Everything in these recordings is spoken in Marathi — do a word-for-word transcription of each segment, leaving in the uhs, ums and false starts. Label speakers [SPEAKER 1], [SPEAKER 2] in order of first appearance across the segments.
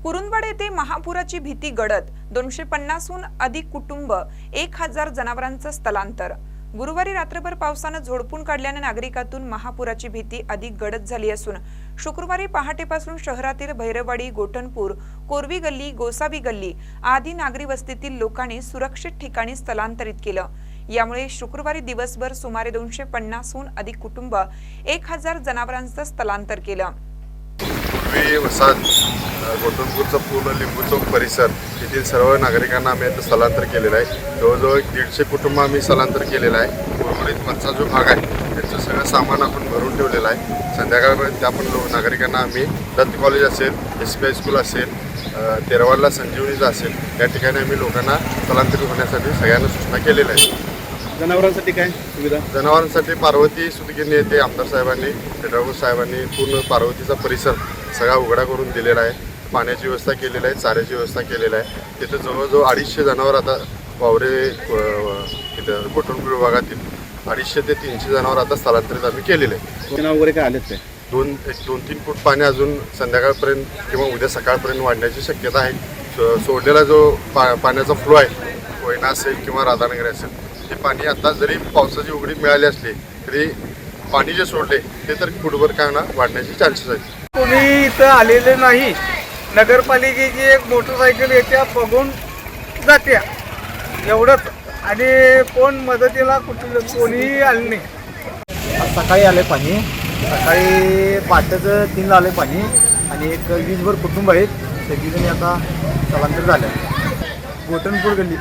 [SPEAKER 1] कुरुंदवाड येथे महापुराची भीती गडद दोनशे पन्नासहून अधिक कुटुंब एक हजार जनावरांचं स्थलांतर। गुरुवारी रात्रभर पावसाने झोडपून काढल्याने नागरिकातून महापुराची भीती अधिक गडद झाली असून शुक्रवारी पहाटेपासून शहरातील भैरववाडी, गोठणपूर, कोरवी गल्ली, गोसावी गल्ली आदी नागरी वस्तीतील लोकांनी सुरक्षित ठिकाणी स्थलांतरित केलं। यामुळे शुक्रवारी दिवसभर सुमारे दोनशे पन्नासहून अधिक कुटुंब एक हजार जनावरांचं स्थलांतर केलं।
[SPEAKER 2] वसाहत गोठणपूरचा पूर्ण लिंबू चौक परिसर येथील सर्व नागरिकांना आम्ही आता स्थलांतर केलेलं आहे। जवळजवळ दीडशे कुटुंब आम्ही स्थलांतर केलेलं आहे। उर्वरित वरचा जो भाग आहे त्याचं सगळं सामान आपण भरून ठेवलेलं आहे। संध्याकाळपर्यंत त्या पण लोक नागरिकांना आम्ही दत्त कॉलेज असेल, एस पी हायस्कूल असेल, तेरवाडला संजीवनीचा असेल या ठिकाणी आम्ही लोकांना स्थलांतरित होण्यासाठी सगळ्यांना सूचना केलेल्या आहेत।
[SPEAKER 3] जनावरांसाठी काय सुविधा?
[SPEAKER 2] जनावरांसाठी पार्वती सुतगिरणी येथे आमदार साहेबांनी, फेडराव साहेबांनी पूर्ण पार्वतीचा परिसर सगळा उघडा करून दिलेला आहे। पाण्याची व्यवस्था केलेली आहे, चाऱ्याची व्यवस्था केलेली आहे। तिथे जवळजवळ अडीचशे जनावर आता वावरे तिथं गोठणपूर विभागातील अडीचशे ते तीनशे जनावर आता स्थलांतरित आम्ही केलेले आहे।
[SPEAKER 3] जनावर वगैरे काय आलेत काय?
[SPEAKER 2] दोन एक दोन तीन फूट पाणी अजून संध्याकाळपर्यंत किंवा उद्या सकाळपर्यंत वाढण्याची शक्यता आहे। सोडलेला जो पा पाण्याचा फ्लो आहे, कोयना असेल किंवा राधानगरी असेल, ते पाणी आता जरी पावसाची उघडीप मिळाली असली तरी पाणी जे सोडले ते तर फुटभर काय ना वाढण्याचे चान्सेस आहेत।
[SPEAKER 4] कोणी इथं आलेले नाही। नगरपालिकेची एक मोटरसायकल येत्या बघून जात्या एवढंच, आणि कोण मदतीला कुठलं कोणीही आले नाही।
[SPEAKER 5] आज सकाळी आले पाणी, सकाळी पाठचं तीनला आले पाणी आणि एक वीसभर कुटुंब आहेत, सगळीजणी आता स्थलांतर झाले गोठणपूर गल्ली।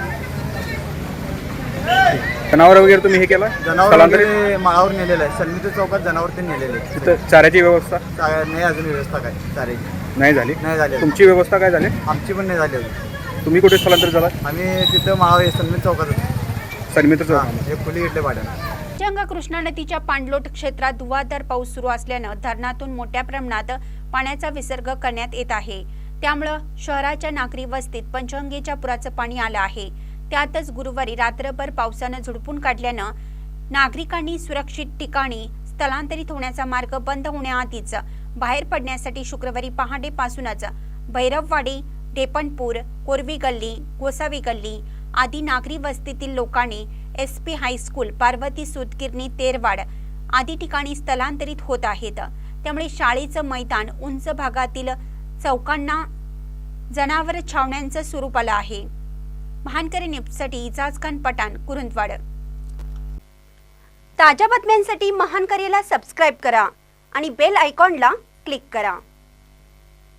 [SPEAKER 3] जनावर वगैरे तुम्ही हे केलं?
[SPEAKER 5] जनावर वगैरे माळावर नेलेलं आहे। सलमीच्या चौकात जनावर ते नेलेले आहेत।
[SPEAKER 3] तिथं चाऱ्याची व्यवस्था
[SPEAKER 5] नाही अजून व्यवस्था काय चाऱ्याची
[SPEAKER 3] नाही झाली?
[SPEAKER 5] नाही झाली।
[SPEAKER 3] तुमची व्यवस्था काय झाली?
[SPEAKER 5] आमची पण नाही झाली अजून।
[SPEAKER 3] तुम्ही कुठे स्थलांतर झाला?
[SPEAKER 5] आम्ही तिथं माळावर सलमी चौकात
[SPEAKER 3] सलमीचं चौक
[SPEAKER 5] एक खोली घेतले भाड्यानं।
[SPEAKER 6] पंचगंगा कृष्णा नदीच्या पाणलोट क्षेत्रात धुवाधार पाऊस सुरू असल्यानं धरणातून मोठ्या प्रमाणात पाण्याचा विसर्ग करण्यात येत आहे। त्यामुळे शहराच्या नागरी वस्तीत पंचगंगेच्या पुराचं पाणी आलं आहे। त्यातच गुरुवारी रात्रभर पावसानं झोडपून काढल्यानं नागरिकांनी सुरक्षित ठिकाणी स्थलांतरित होण्याचा मार्ग बंद होण्याआधीच बाहेर पडण्यासाठी शुक्रवारी पहाटेपासूनच भैरववाडी, डेपणपूर, कोरवी गल्ली, गोसावी गल्ली आदी नागरी वस्तीतील लोकांनी एस पी हायस्कूल, पार्वती सुतगिरणी, तेरवाड आदी ठिकाणी स्थलांतरित होत आहेत। त्यामुळे शाळेचं मैदान, उंच भागातील चौकांना जनावर छावण्यांचं स्वरूप आलं आहे। महानकरी न्यूजसाठी इजाज खान पठाण, कुरुंदवाड। ताज्या बातम्यांसाठी महानकरीला सबस्क्राइब करा आणि बेल आयकॉनला क्लिक करा।